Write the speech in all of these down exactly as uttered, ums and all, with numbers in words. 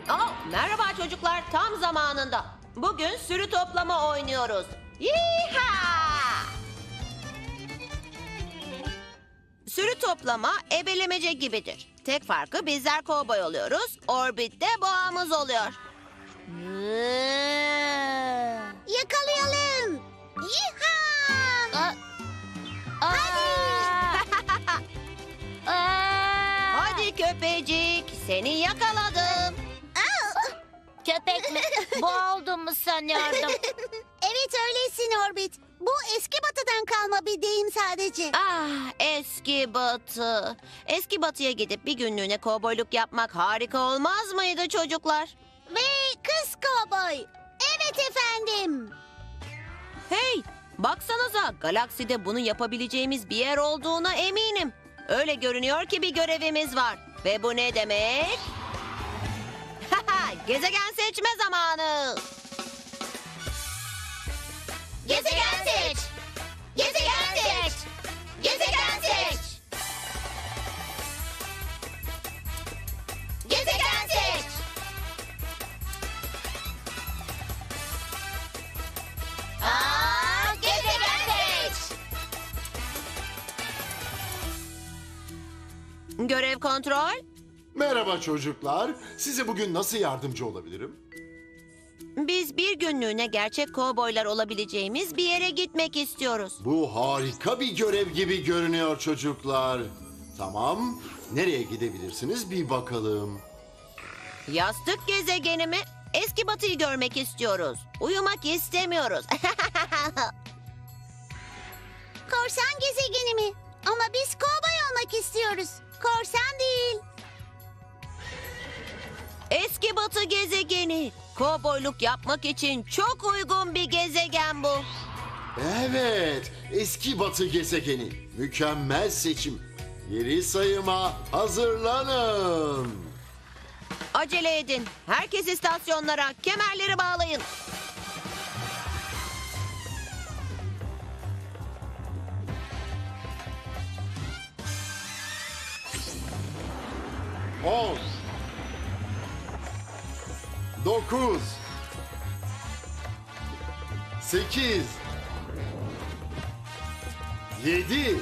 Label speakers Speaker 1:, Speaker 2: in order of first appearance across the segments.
Speaker 1: Oh, merhaba çocuklar, tam zamanında. Bugün sürü toplama oynuyoruz. Yiha! Sürü toplama ebelemece gibidir. Tek farkı bizler kovboy oluyoruz, Orbit de boğamız oluyor.
Speaker 2: Yakalayalım. Yiha!
Speaker 3: Aa, aa, aa.
Speaker 1: Hadi köpecik, seni yakaladım.
Speaker 3: Köpek mi? Boğa olduğumu sanıyordum.
Speaker 2: Evet öylesin Orbit. Bu eski batıdan kalma bir deyim sadece.
Speaker 1: Ah, eski batı. Eski batıya gidip bir günlüğüne kovboyluk yapmak harika olmaz mıydı çocuklar?
Speaker 2: Ve kız kovboy. Evet efendim.
Speaker 1: Hey, baksanıza, galakside bunu yapabileceğimiz bir yer olduğuna eminim. Öyle görünüyor ki bir görevimiz var. Ve bu ne demek? Haha, gezegen seçme zamanı.
Speaker 2: Gezegen seç. Gezegen seç. Gezegen seç. Gezegen seç. Aa, gezegen seç.
Speaker 1: Görev kontrol.
Speaker 4: Merhaba çocuklar. Size bugün nasıl yardımcı olabilirim?
Speaker 1: Biz bir günlüğüne gerçek kovboylar olabileceğimiz bir yere gitmek istiyoruz.
Speaker 4: Bu harika bir görev gibi görünüyor çocuklar. Tamam. Nereye gidebilirsiniz bir bakalım.
Speaker 1: Yastık gezegeni mi? Eski batıyı görmek istiyoruz. Uyumak istemiyoruz.
Speaker 2: Korsan gezegeni mi? Ama biz kovboy olmak istiyoruz. Korsan değil.
Speaker 1: Eski batı gezegeni. Kovboyluk yapmak için çok uygun bir gezegen bu.
Speaker 4: Evet, eski batı gezegeni. Mükemmel seçim. Geri sayıma hazırlanın.
Speaker 1: Acele edin. Herkes istasyonlara kemerleri bağlayın.
Speaker 4: On. Dokuz. Sekiz. Yedi.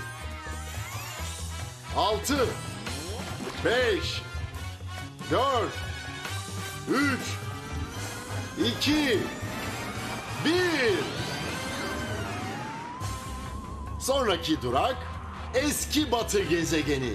Speaker 4: Altı. Beş. Dört. Üç. İki. Bir. Sonraki durak eski batı gezegeni.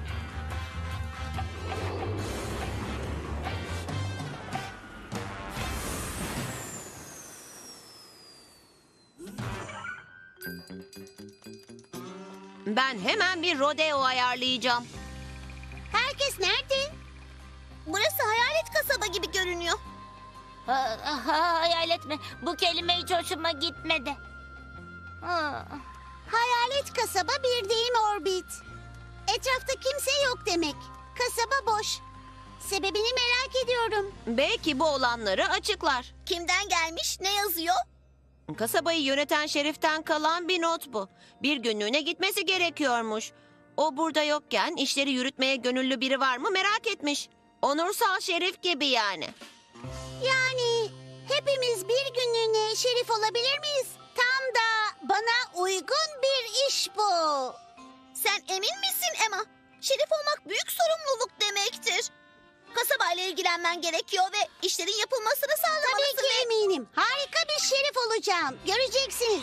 Speaker 1: Ben hemen bir rodeo ayarlayacağım.
Speaker 2: Herkes nerede? Burası hayalet kasaba gibi görünüyor.
Speaker 3: Ha, ha, hayal etme. Bu kelime hiç hoşuma gitmedi. Ha.
Speaker 2: Hayalet kasaba bir deyim Orbit. Etrafta kimse yok demek. Kasaba boş. Sebebini merak ediyorum.
Speaker 1: Belki bu olanları açıklar.
Speaker 2: Kimden gelmiş? Ne yazıyor?
Speaker 1: Kasabayı yöneten şeriften kalan bir not bu. Bir günlüğüne gitmesi gerekiyormuş. O burada yokken işleri yürütmeye gönüllü biri var mı merak etmiş. Onursal şerif gibi yani.
Speaker 2: Yani hepimiz bir günlüğüne şerif olabilir miyiz? Tam da bana uygun bir iş bu. Sen emin misin Emma? Şerif olmak büyük sorumluluk demektir. Kasabayla ilgilenmen gerekiyor ve işlerin yapılmasını sağlamalısın. Tabii ki eminim. Harika bir şerif olacağım. Göreceksiniz.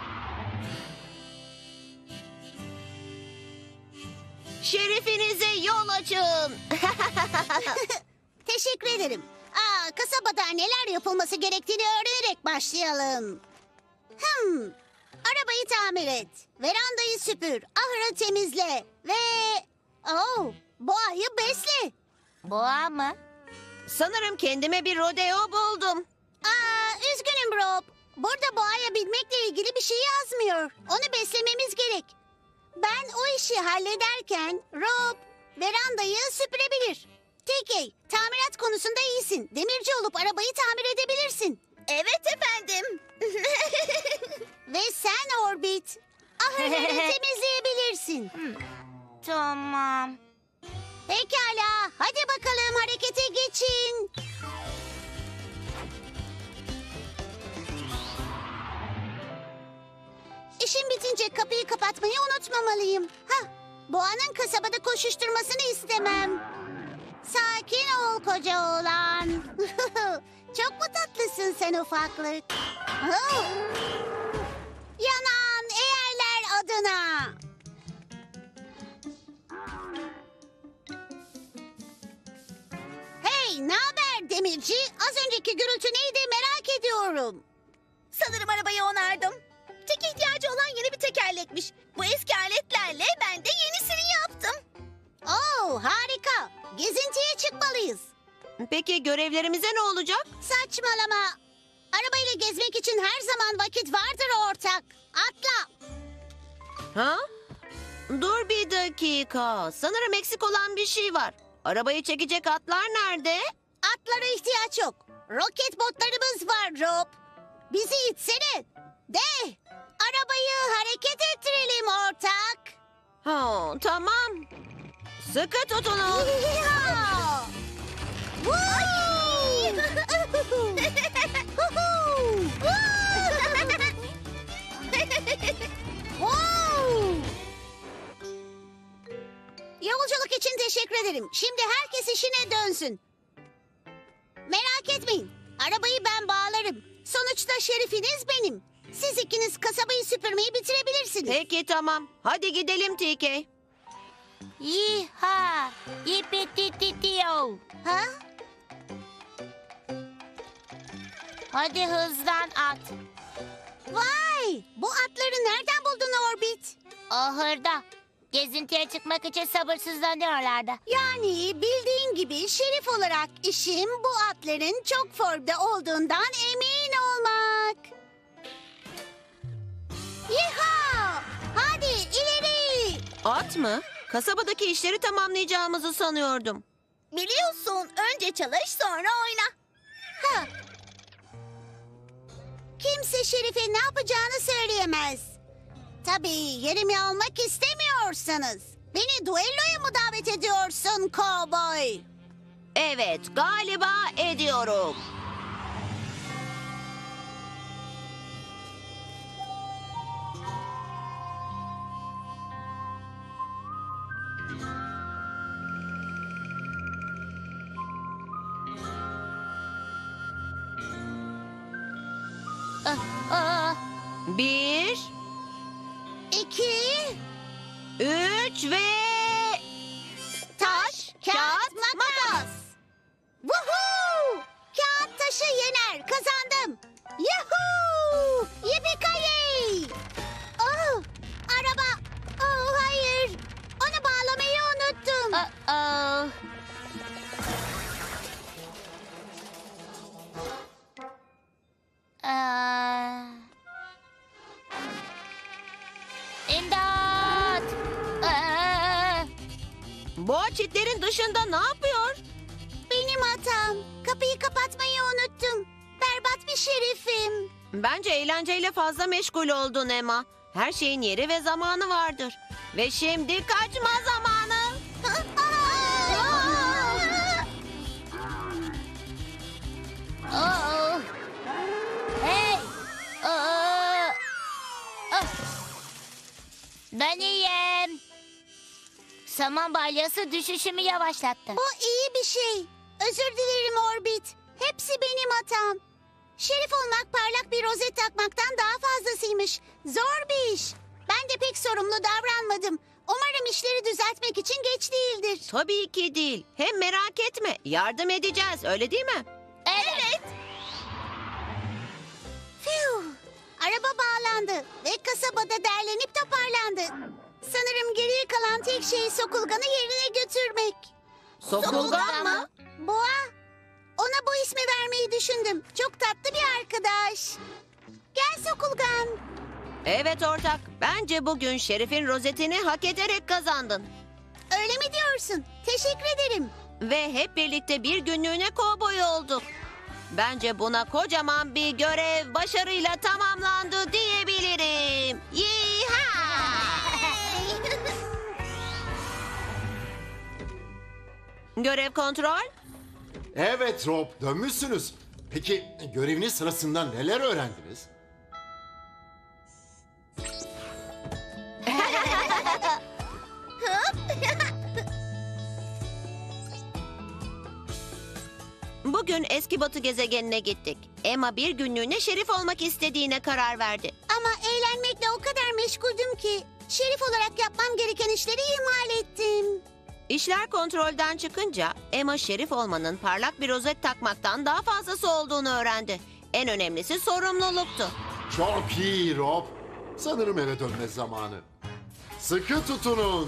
Speaker 1: Şerifinize yol açın.
Speaker 2: Teşekkür ederim. Aa, kasabada neler yapılması gerektiğini öğrenerek başlayalım. Hmm, arabayı tamir et. Verandayı süpür. Ahırı temizle. Ve... Oh, boğayı besle.
Speaker 3: Boğa mı?
Speaker 1: Sanırım kendime bir rodeo buldum.
Speaker 2: Aa, üzgünüm Rob. Burada boğaya binmekle ilgili bir şey yazmıyor. Onu beslememiz gerek. Ben o işi hallederken Rob verandayı süpürebilir. T K, tamirat konusunda iyisin. Demirci olup arabayı tamir edebilirsin. Evet efendim. Ve sen Orbit, ahırları temizleyebilirsin.
Speaker 3: Tamam.
Speaker 2: Pekala, hadi bakalım harekete geçin. kapatmayı unutmamalıyım. Hah, Boğa'nın kasabada koşuşturmasını istemem. Sakin ol koca oğlan. Çok mu tatlısın sen ufaklık? Oh! Yanan eğerler adına. Hey, ne haber demirci? Az önceki gürültü neydi merak ediyorum.
Speaker 5: Sanırım arabayı onardım. Tek ihtiyacı olan yeni bir tekerlekmiş. Bu eski aletlerle ben de yenisini yaptım.
Speaker 2: Oo, harika. Gezintiye çıkmalıyız.
Speaker 1: Peki görevlerimize ne olacak?
Speaker 2: Saçmalama. Arabayla gezmek için her zaman vakit vardır ortak. Atla.
Speaker 1: Ha? Dur bir dakika. Sanırım eksik olan bir şey var. Arabayı çekecek atlar nerede?
Speaker 2: Atlara ihtiyaç yok. Roket botlarımız var Rob. Bizi itsene. De. Arabayı hareket ettirelim ortak.
Speaker 1: Ha, tamam. Sıkı tutunun.
Speaker 2: Yeehaw! Woo! Huhu! Wow! Yolculuk için teşekkür ederim. Şimdi herkes işine dönsün. Merak etmeyin. Arabayı ben bağlarım. Sonuçta şerifiniz benim. Siz ikiniz kasabayı süpürmeyi bitirebilirsiniz.
Speaker 1: Peki tamam. Hadi gidelim T K.
Speaker 3: Yiha! Yipitititiyo!
Speaker 2: Ha?
Speaker 3: Hadi hızlan at.
Speaker 2: Vay! Bu atları nereden buldun Orbit?
Speaker 3: Ahırda. Gezintiye çıkmak için sabırsızlanıyorlardı.
Speaker 2: Yani bildiğin gibi şerif olarak işim bu atların çok formda olduğundan emin olmak. Yiha! Hadi ileri!
Speaker 1: At mı? Kasabadaki işleri tamamlayacağımızı sanıyordum.
Speaker 5: Biliyorsun, önce çalış sonra oyna.
Speaker 2: Ha. Kimse şerife ne yapacağını söyleyemez. Tabii yerimi almak istemiyorsanız. Beni duelloya mı davet ediyorsun kovboy?
Speaker 1: Evet, galiba ediyorum.
Speaker 3: Ah, ah.
Speaker 1: Bir,
Speaker 2: İki,
Speaker 1: üç ve...
Speaker 2: taş, kağıt, makas. Woohoo! Kağıt taşı yener, kazandım. Yuhuu! Yippee-ki-yay! Oh, araba. Oh, hayır. Onu bağlamayı unuttum.
Speaker 3: Uh-oh. Aa. İmdat! Aa.
Speaker 1: Boğa çitlerin dışında ne yapıyor?
Speaker 2: Benim hatam. Kapıyı kapatmayı unuttum. Berbat bir şerifim.
Speaker 1: Bence eğlenceyle fazla meşgul oldun Emma. Her şeyin yeri ve zamanı vardır. Ve şimdi kaçma zamanı.
Speaker 3: Oh. Hey! Aa. Ah. Ben iyiyim. Saman balyası düşüşümü yavaşlattı.
Speaker 2: Bu iyi bir şey. Özür dilerim Orbit. Hepsi benim hatam. Şerif olmak parlak bir rozet takmaktan daha fazlasıymış. Zor bir iş. Ben de pek sorumlu davranmadım. Umarım işleri düzeltmek için geç değildir.
Speaker 1: Tabii ki değil. Hem merak etme, yardım edeceğiz, öyle değil mi?
Speaker 3: Evet.
Speaker 2: Fiu. Araba bağlandı ve kasabada derlenip toparlandı. Sanırım geriye kalan tek şey Sokulgan'ı yerine götürmek.
Speaker 1: Sokulgan mı?
Speaker 2: Boğa. Ona bu ismi vermeyi düşündüm. Çok tatlı bir arkadaş. Gel Sokulgan.
Speaker 1: Evet ortak, bence bugün Şerif'in rozetini hak ederek kazandın.
Speaker 2: Öyle mi diyorsun? Teşekkür ederim.
Speaker 1: Ve hep birlikte bir günlüğüne kovboy olduk. Bence buna kocaman bir görev başarıyla tamamlandı diyebilirim. Yiha! Görev kontrol.
Speaker 4: Evet Rob, dönmüşsünüz. Peki göreviniz sırasında neler öğrendiniz?
Speaker 1: Bugün eski Batı gezegenine gittik. Emma bir günlüğüne şerif olmak istediğine karar verdi.
Speaker 2: Ama eğlenmekle o kadar meşguldüm ki şerif olarak yapmam gereken işleri ihmal ettim.
Speaker 1: İşler kontrolden çıkınca Emma şerif olmanın parlak bir rozet takmaktan daha fazlası olduğunu öğrendi. En önemlisi sorumluluktu.
Speaker 4: Çok iyi Rob. Sanırım eve dönme zamanı. Sıkı tutunun.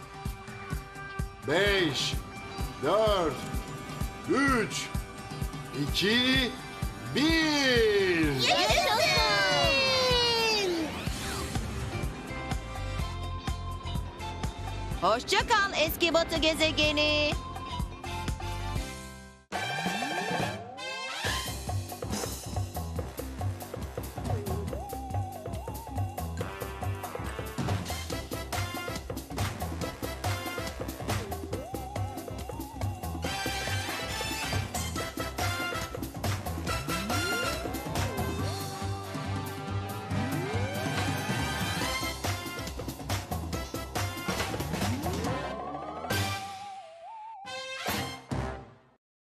Speaker 4: Beş, dört, üç, iki, bir.
Speaker 2: Yaşasın!
Speaker 1: Hoşça kal eski Batı gezegeni.